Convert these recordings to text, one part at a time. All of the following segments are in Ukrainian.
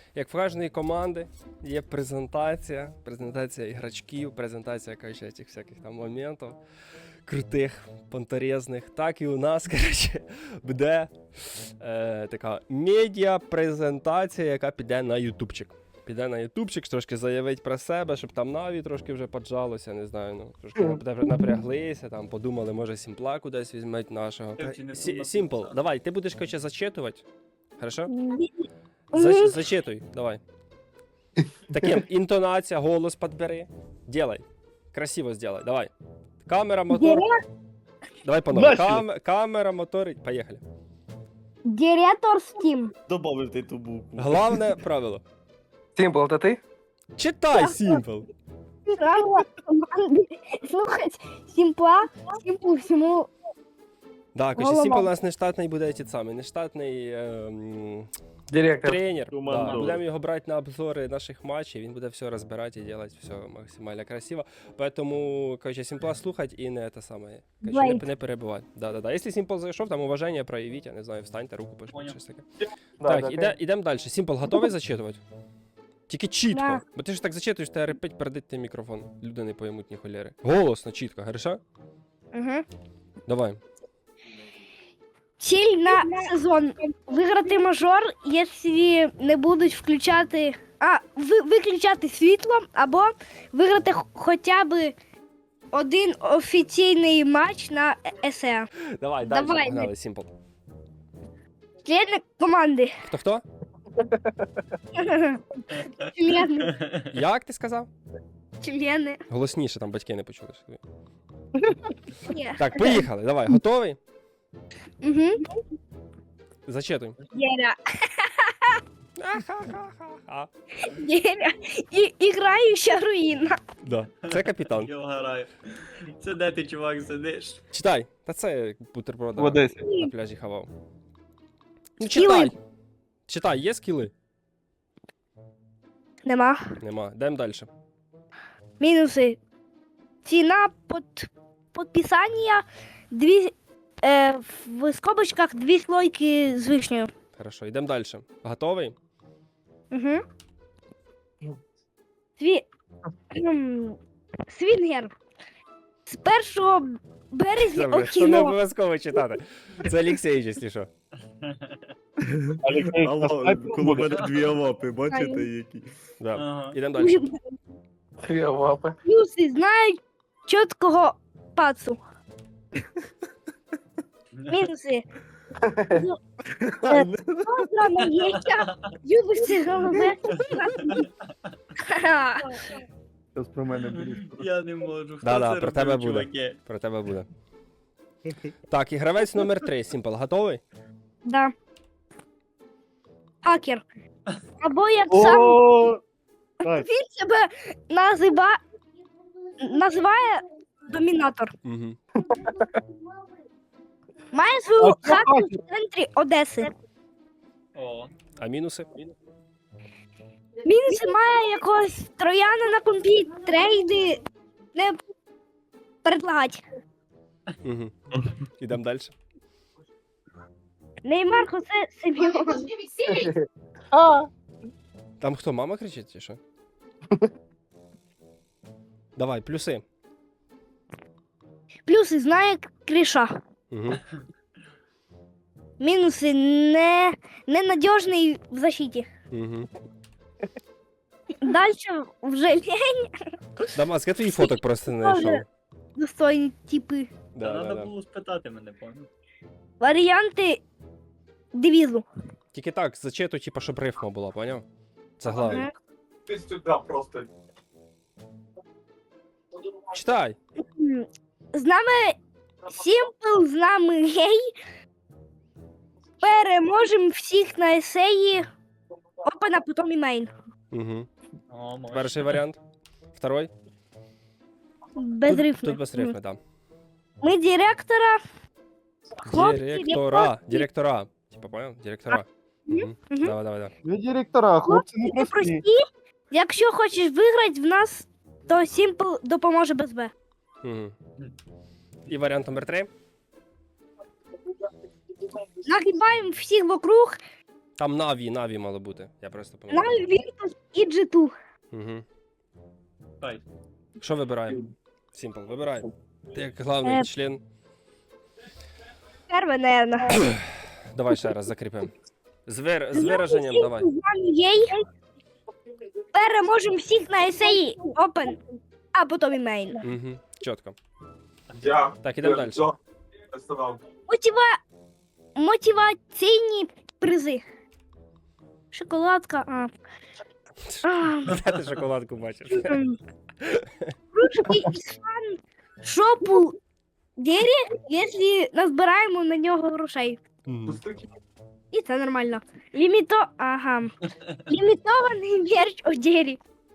Як в кожної команди є презентація ігрочків, презентація, коротше, цих всяких там моментів крутих, понторезних. Так і у нас, коротше, буде така медіа-презентація, яка піде на ютубчик. Піде на ютубчик, трошки заявить про себе, щоб там Наві трошки вже поджалося, не знаю, ну, трошки напряглися, там подумали, може Сімпла кудись візьмуть нашого. Сімпл, давай, ти будеш, коротше, зачитувати, хорошо? Зачитуй, давай. Таким, інтонація, голос підбери, делай, красиво сделай, давай. Камера, мотор, давай по-новому, камера, мотор, поїхали. Директор Steam. Добавив ти ту букву. Головне правило. Сімпл, это ти? Читай, Сімпл. Правила команди. Слухать Сімпла, Сімплу всьому. Да, короче, Голова. Сімпл у нас не штатний буде ті самий, не штатний Директор. тренер. Да, Командор. будемо його брати на обзори наших матчів, він буде все розбирати і робити все максимально красиво. Поэтому, короче, Сімпла слухать і не те саме. Короче, не перебивати. Да. Якщо Сімпл зайшов, там уваження проявіть, я не знаю, встаньте, руку пишіть, щось таке. Так, ідемо далі. Сімпл, готовий зачитувати? Тільки чітко. Да. Бо ти ж так зачитуєш, тебе репить передить ти мікрофон. Люди не поймуть ні холєри. Голосно, чітко, хорошо? Угу. Давай. Ціль на сезон. Виграти мажор, якщо не будуть включати... виключати світло, або виграти хоча б один офіційний матч на ЕСЕ. Давай, далі, Давай. погнали, Сімпл. Члени команди. Хто-хто? Члени. Як ти сказав? Члени. Голосніше, там батьки не почули. Ні. Так, поїхали, давай, готовий? Угу. Зачитуй. Єля. Ахахахаха. Єля. І граюча руїна. Да. Це капітан. Я вгораю. Це де ти, чувак, сидиш? Читай. Та це бутерброд В Одесі. на пляжі хавав. Ну Скіли. читай. Читай, є скіли? Нема. Нема. Йдемо далі. Мінуси. Ціна підписання в скобочках 2 слойки з вишнею. Хорошо, йдемо далі. Готовий? Угу. Свінгер. З 1 березня Добре, що не кіно. обов'язково читати. Це Олексій, якщо що. Алло, коло мене дві лапи, бачите які? Да. Ага. Йдемо далі. Дві лапи. Плюси знають чіткого пацу. Мінуси. Добра яєчка. Любишся голове. Щось про мене будеш. Я не можу. Хто Да-да, це про робив, тебе буде. чуваки? Про тебе буде. Так, і гравець номер 3, Сімпл, готовий? Да. Хакер. Або як сам О, він себе називає домінатор. Угу. Має свою А що хату хакер? в центрі Одеси. О, А мінуси? Мінуси має якогось трояна на компі, трейди не предлагать. Угу. Ідемо далі. Неймар Хосе Семьон. Там хто, мама кричить чи що? Давай, плюси. Плюси знає Кріша. Угу. Мінуси ненадіжний в защиті. Угу. Дальше вже лень, Дамаск, я твої фоток просто не знайшов. достойні типи. Да, треба да, да. було спитати мене, понял? Варіанти девізу. Тільки так, зачитуй, типа, щоб рифма була, поняв? Це головне. ти сюди просто. Читай. З нами Сімпл, з нами гей. Переможемо всіх на есеї. Опен, а потім і мейн. Угу. О, може. Перший варіант. Второй. Без Тут рифми. без рифми, так. Ми директора. Хлопці, Директора. Типа, понял? Директора. Угу. Мгм. Давай, давай, давай. Ви директора, хлопці Хлопці не не прості. прості. Якщо хочеш виграти в нас, то Сімпл допоможе без Б. Угу. І варіант номер 3. Нагибаємо всіх вокруг Там Наві мало бути. Я просто пам'ятаю. Наві, Віртус і G2. Угу. Хай. Що вибираємо? Сімпл, вибирай. Ти як главний член. Перше, наверно. Давай ще раз закріпимо. З вираженням давай. Єй. Переможемо всіх на есеї Open, а потім і мейн. Угу. Чітко. Я. Так, ідемо далі. Мотиваційні призи. Шоколадка. Де ти шоколадку бачиш? Ручки із фан шопу Дері, якщо назбираємо на нього грошей. Мгм. І це нормально. Лімітований мерч у Дері.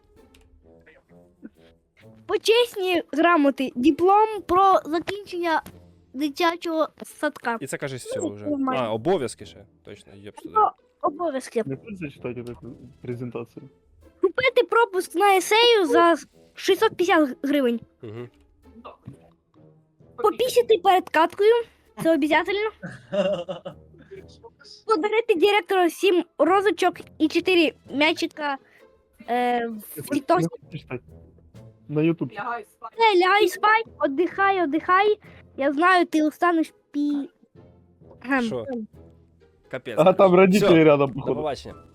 Почесні грамоти. Диплом про закінчення дитячого садка. І це кажеш все вже. Нормально. А, обов'язки ще. Точно, єб сюди. Обов'язки. Не будешь зачитать эту презентацию? Купити пропуск на есею за 650 гривень. Угу. Попісити перед каткою. Це обов'язково. Подарити директору 7 розочок і 4 м'ячика в тікток. Не хочешь читать? На YouTube. Лягай спай, отдихай. Я знаю, ти устанеш Що? Капець. А там родители Всё. рядом, До походу. побачення.